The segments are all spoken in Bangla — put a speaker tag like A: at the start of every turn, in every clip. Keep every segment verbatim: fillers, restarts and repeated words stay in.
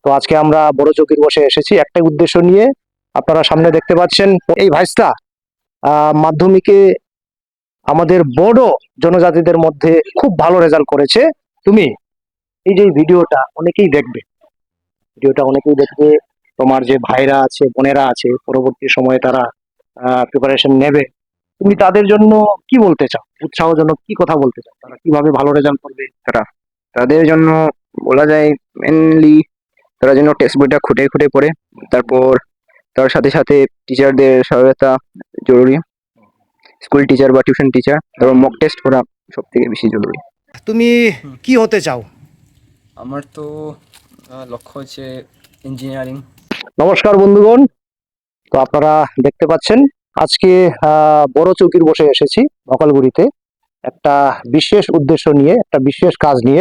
A: তো আজকে আমরা বড় চৌকির বসে এসেছি একটাই উদ্দেশ্য নিয়ে। আপনারা সামনে দেখতে পাচ্ছেন এই ভাইস্তা আহ মাধ্যমিকে আমাদের বড় জনজাতিদের মধ্যে খুব ভালো রেজাল্ট করেছে। তুমি এই যে ভিডিওটা অনেকেই দেখবে, ভিডিওটা অনেকেই দেখবে, তোমার যে ভাইরা আছে বোনেরা আছে পরবর্তী সময়ে তারা প্রিপারেশন নেবে, তুমি তাদের জন্য কি বলতে চাও? উৎসাহজনক কি কথা বলতে চাও? তারা কিভাবে ভালো রেজাল্ট করবে?
B: তারা তাদের জন্য বলা যায় মেনলি তারা যেন টেক্সট বইটা খুঁটে খুঁটে পড়ে, তারপর তার সাথে সাথে টিচারদের সহায়তা জরুরি, স্কুল টিচার বা টিউশন টিচার, তারপর মক টেস্ট করা সব থেকে বেশি জরুরি।
A: তুমি কি হতে চাও?
C: আমার তো আহ, লক্ষ্য হচ্ছে ইঞ্জিনিয়ারিং।
A: নমস্কার বন্ধুগণ, তো আপনারা দেখতে পাচ্ছেন আজকে আহ, বড় চৌকির বসে এসেছি মকালগুড়িতে একটা বিশেষ উদ্দেশ্য নিয়ে, একটা বিশেষ কাজ নিয়ে।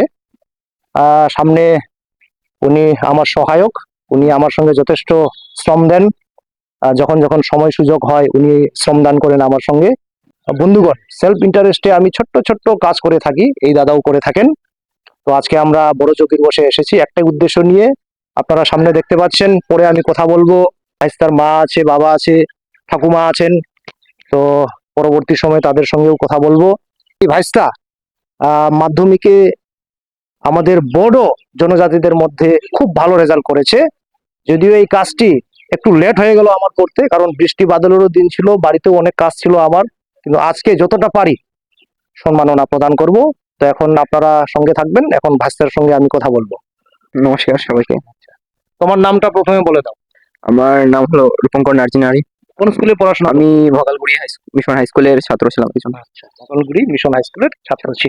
A: আহ, সামনে উনি আমার সহায়ক, উনি আমার সঙ্গে যথেষ্ট শ্রম দেন। আহ, যখন যখন সময় সুযোগ হয় উনি শ্রম দান করেন আমার সঙ্গে। আহ, বন্ধুগণ, সেলফ ইন্টারেস্টে আমি ছোট্ট ছোট্ট কাজ করে থাকি, এই দাদাও করে থাকেন। তো আজকে আমরা বড় চৌকির বসে এসেছি একটাই উদ্দেশ্য নিয়ে। আপনারা সামনে দেখতে পাচ্ছেন, পরে আমি কথা বলবো। তার মা আছে, বাবা আছে, ঠাকুমা আছেন, তো পরবর্তী সময় তাদের সঙ্গেও কথা বলবো। এই ভাইস্তা আহ মাধ্যমিকে আমাদের বড় জনজাতিদের মধ্যে খুব ভালো রেজাল্ট করেছে। যদিও এই কাজটি একটু লেট হয়ে গেল আমার করতে, কারণ বৃষ্টি বাদলেরও দিন ছিল, বাড়িতেও অনেক কাজ ছিল আমার, কিন্তু আজকে যতটা পারি সম্মাননা প্রদান করব। তো এখন আপনারা সঙ্গে থাকবেন, এখন ভাইস্তার সঙ্গে আমি কথা বলবো।
B: নমস্কার সবাইকে।
A: তোমার নামটা প্রথমে বলে দাও।
B: আমার নাম হলো রূপঙ্কর নার্জিনারি।
A: কোন স্কুলে পড়াশোনা?
B: আমি ভোগালগুড়ি হাই মিশন হাই স্কুলের ছাত্র ছিলাম একজন।
A: আচ্ছা, মকালগুড়ি মিশন হাই স্কুলের ছাত্র ছিল।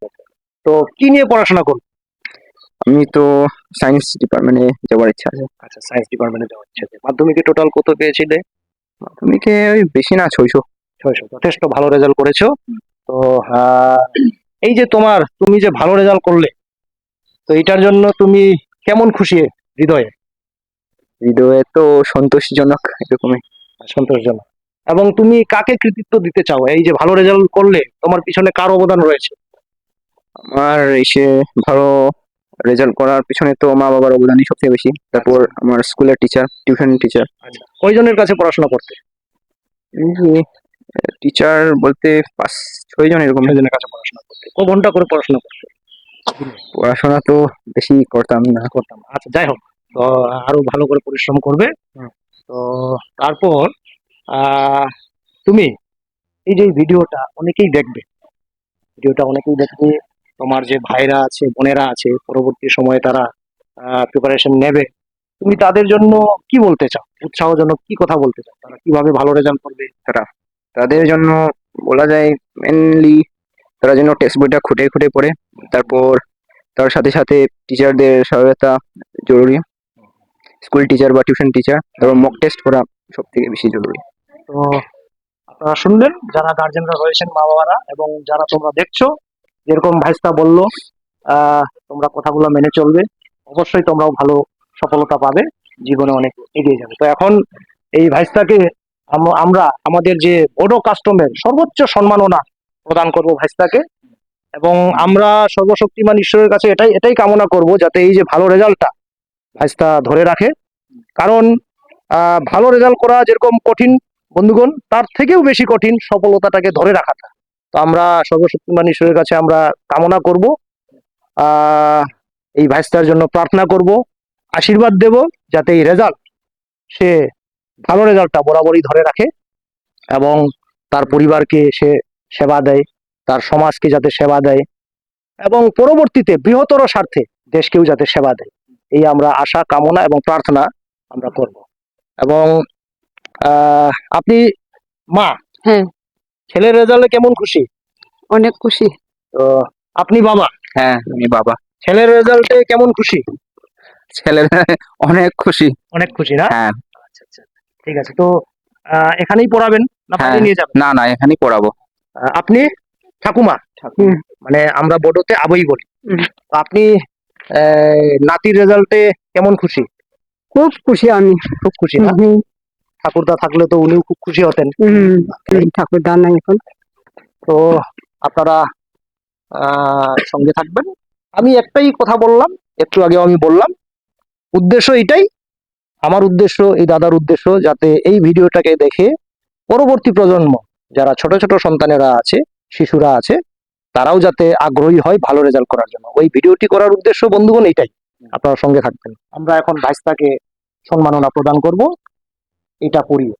A: তো কি নিয়ে পড়াশোনা করো?
B: আমি তো সায়েন্স ডিপার্টমেন্টে যাওয়ার ইচ্ছা আছে।
A: আচ্ছা, সায়েন্স ডিপার্টমেন্টে যাওয়ার ইচ্ছা আছে। মাধ্যমিকে টোটাল কত পেয়েছিলে?
B: মাধ্যমিকে ওই বেশি না, ছয়শো।
A: ছয়শো, যথেষ্ট ভালো রেজাল্ট করেছো। তো আহ, এই যে তোমার, তুমি যে ভালো রেজাল্ট করলে, তো এটার জন্য তুমি কেমন খুশি হৃদয়ে?
B: হৃদয়ে তো সন্তোষজনক এরকমই।
A: সন্তোষজনক। এবং তুমি কাকে কৃতিত্ব দিতে চাও? এই যে ভালো রেজাল্ট করলে তোমার পিছনে কার অবদান রয়েছে?
B: আমার এসে ভালো রেজাল্ট করার পিছনে তো মা বাবার অবদানই সবথেকে বেশি, তারপর আমার স্কুলের টিচার, টিউশন টিচার।
A: আচ্ছা, কয়জনের কাছে পড়াশোনা করতে?
B: টিচার বলতে পাঁচ ছয় জন এরকম।
A: ছয়জনের কাছে পড়াশোনা করতে। ক ঘন্টা করে পড়াশোনা করতে?
B: পড়াশোনা তো বেশি করতাম না।
A: করতাম। আচ্ছা, যাই হোক, তো আরো ভালো করে পরিশ্রম করবে। তো তারপর আহ তুমি এই যে ভিডিওটা অনেকেই দেখবে, ভিডিওটা অনেকেই দেখবে, তোমার যে ভাইরা আছে বোনেরা আছে পরবর্তী সময়ে তারা প্রিপারেশন নেবে, তুমি তাদের জন্য কি বলতে চাও? উৎসাহজনক কি কথা বলতে চাও? তারা কিভাবে ভালো রেজাল্ট করবে?
B: তারা তাদের জন্য বলা যায় মেনলি তারা যেন টেক্সট বইটা খুঁটে খুঁটে পড়ে, তারপর তার সাথে সাথে টিচারদের সহায়তা জরুরি, স্কুল টিচার বা টিউশন টিচার, তারপর মক টেস্ট করা সব থেকে বেশি জরুরি।
A: তো আপনারা শুনলেন, যারা গার্জেনরা রয়েছেন, মা বাবারা, এবং যারা তোমরা দেখছো, যেরকম ভাইস্তা বললো, আহ তোমরা কথাগুলো মেনে চলবে, অবশ্যই তোমরাও ভালো সফলতা পাবে, জীবনে অনেক এগিয়ে যাবে। তো এখন এই ভাইস্তাকে আম- আমরা আমাদের যে বড় কাস্টমের সর্বোচ্চ সম্মাননা প্রদান করব ভাইস্তাকে, এবং আমরা সর্বশক্তিমান ঈশ্বরের কাছে এটাই এটাই কামনা করব যাতে এই যে ভালো রেজাল্টটা ভাইস্তা ধরে রাখে। কারণ আহ ভালো রেজাল্ট করা যেরকম কঠিন বন্ধুগণ, তার থেকেও বেশি কঠিন সফলতাটাকে ধরে রাখাটা। তো আমরা সর্বশক্তিমান ঈশ্বরের কাছে আমরা কামনা করব, আহ এই ভাইস্তার জন্য প্রার্থনা করব, আশীর্বাদ দেব যাতে এই রেজাল্ট, সে ভালো রেজাল্টটা বরাবরই ধরে রাখে, এবং তার পরিবারকে সে সেবা দেয়, তার সমাজকে যাতে সেবা দেয়, এবং পরবর্তীতে বৃহত্তর স্বার্থে দেশকেও যাতে সেবা দেয়, এই আমরা আশা, কামনা এবং প্রার্থনা আমরা করব। এবং আহ আপনি মা,
D: হ্যাঁ,
A: ছেলের রেজাল্টে কেমন খুশি?
D: অনেক খুশি।
A: তো আপনি বাবা,
B: হ্যাঁ, আমি বাবা।
A: ছেলের রেজাল্টে কেমন খুশি?
B: ছেলের অনেক খুশি।
A: অনেক খুশি না?
B: হ্যাঁ।
A: আচ্ছা আচ্ছা, ঠিক আছে। তো আহ, এখানেই পড়াবেন না
B: হ্যাঁ,
A: বাইরে নিয়ে যাবেন?
B: না না, এখানেই পড়াবো।
A: আহ, আপনি ঠাকুমা,
D: হুম,
A: মানে আমরা বড়তে আবই বলি।
D: হুম।
A: তো আপনি আহ, নাতির রেজাল্টে কেমন খুশি?
D: খুব খুশি আমি।
A: খুব খুশি না?
D: হুম,
A: ঠাকুরদা থাকলে তো উনিও খুব খুশি হতেন।
D: হুম, হুম, ঠাকুর দান নাই এখন।
A: তো আপনারা আহ সঙ্গে থাকবেন। আমি একটাই কথা বললাম, একটু আগেও আমি বললাম, উদ্দেশ্য এটাই, আমার উদ্দেশ্য, এই দাদার উদ্দেশ্য, যাতে এই ভিডিওটাকে দেখে পরবর্তী প্রজন্ম যারা ছোট ছোট সন্তানেরা আছে, শিশুরা আছে, তারাও যাতে আগ্রহী হয় ভালো রেজাল্ট করার জন্য। ওই ভিডিওটি করার উদ্দেশ্য বন্ধুগণ এইটাই। আপনারা সঙ্গে থাকবেন। আমরা এখন ভাইস্তাকে সম্মাননা প্রদান করব, এটা পড়িয়ে।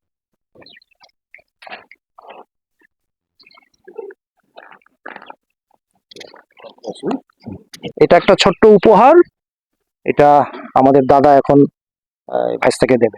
A: এটা একটা ছোট্ট উপহার, এটা আমাদের দাদা এখন আহ, ভাইস্তাকে দেবে।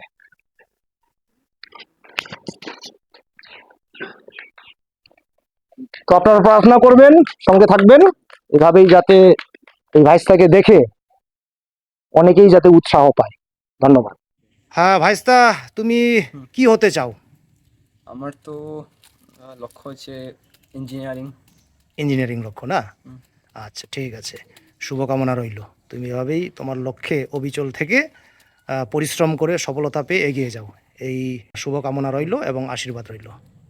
A: তো আপনারা প্রার্থনা করবেন, সঙ্গে থাকবেন, এভাবেই যাতে এই ভাইস্তাকে দেখে অনেকেই যাতে উৎসাহ পায়। ধন্যবাদ।
E: হ্যাঁ ভাইস্তা, তুমি
C: হুম।
E: কি হতে চাও?
C: আমার তো আহ, লক্ষ্য হচ্ছে ইঞ্জিনিয়ারিং।
E: ইঞ্জিনিয়ারিং লক্ষ্য না?
C: হুম।
E: আচ্ছা, ঠিক আছে, শুভকামনা রইল। তুমি এভাবেই তোমার লক্ষ্যে অবিচল থেকে আহ, পরিশ্রম করে সফলতা পেয়ে এগিয়ে যাও, এই শুভকামনা রইল এবং আশীর্বাদ রইল।